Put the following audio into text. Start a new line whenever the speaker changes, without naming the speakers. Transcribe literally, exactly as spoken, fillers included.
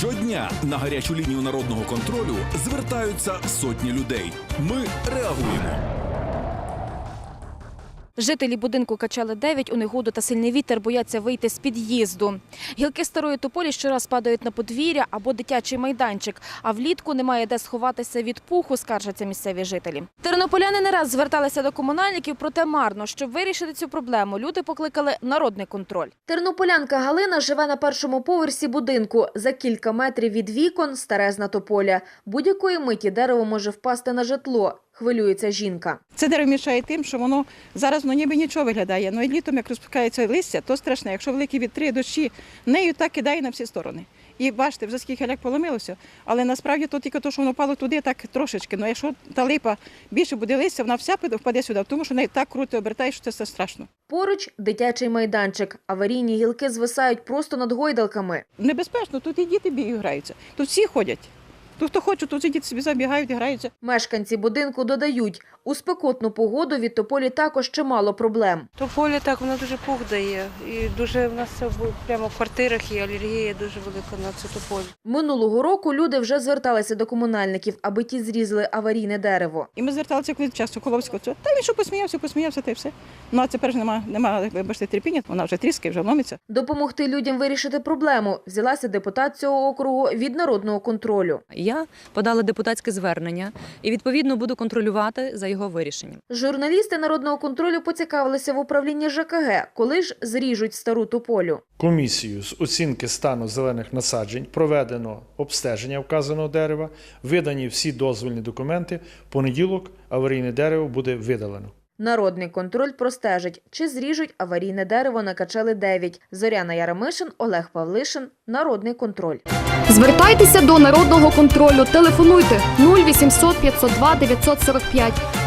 Щодня на гарячу лінію народного контролю звертаються сотні людей. Ми реагуємо.
Жителі будинку Качали дев'ять у негоду та сильний вітер бояться вийти з під'їзду. Гілки старої тополі щораз падають на подвір'я або дитячий майданчик, а влітку немає де сховатися від пуху, скаржаться місцеві жителі. Тернополяни не раз зверталися до комунальників, проте марно. Щоб вирішити цю проблему, люди покликали народний контроль. Тернополянка Галина живе на першому поверсі будинку. За кілька метрів від вікон – старезна тополя. Будь-якої миті дерево може впасти на житло. Хвилюється жінка.
Це дерево мішає тим, що воно зараз воно ніби нічого виглядає. Ну і літом, як розпускається листя, то страшне. Якщо великі вітри, дощі, нею так кидає на всі сторони. І бачите, вже скільки ляк поломилося, але насправді то тільки те, що воно впало туди, так трошечки. Ну якщо та липа більше буде листя, вона вся впаде сюди, тому що нею так круто обертає, що це все страшно.
Поруч дитячий майданчик. Аварійні гілки звисають просто над гойдалками.
Небезпечно, тут і діти бігають, граються. Тут всі ходять. Тут хто хоче, тут діти собі забігають і граються.
Мешканці будинку додають, у спекотну погоду від тополі також чимало проблем.
Тополя так, вона дуже пух дає. І дуже в нас це прямо в квартирах і алергія дуже велика на цю тополю.
Минулого року люди вже зверталися до комунальників, аби ті зрізали аварійне дерево.
І ми зверталися коли час Соколовського. Та він що посміявся, посміявся, та й все. Ну а тепер ж нема, нема, вибачте, терпіння, вона вже тріскає, вже ломиться.
Допомогти людям вирішити проблему взялася депутат цього округу від народного контролю.
Я подала депутатське звернення і, відповідно, буду контролювати за його вирішенням.
Журналісти народного контролю поцікавилися в управлінні ЖКГ, коли ж зріжуть стару тополю.
Комісією з оцінки стану зелених насаджень проведено обстеження вказаного дерева, видані всі дозвільні документи. В понеділок аварійне дерево буде видалено.
Народний контроль простежить, чи зріжуть аварійне дерево на Качали дев'ять. Зоряна Яремишин, Олег Павлишин. Народний контроль.
Звертайтеся до народного контролю. Телефонуйте нуль вісімсот п'ятсот два дев'ятсот сорок п'ять.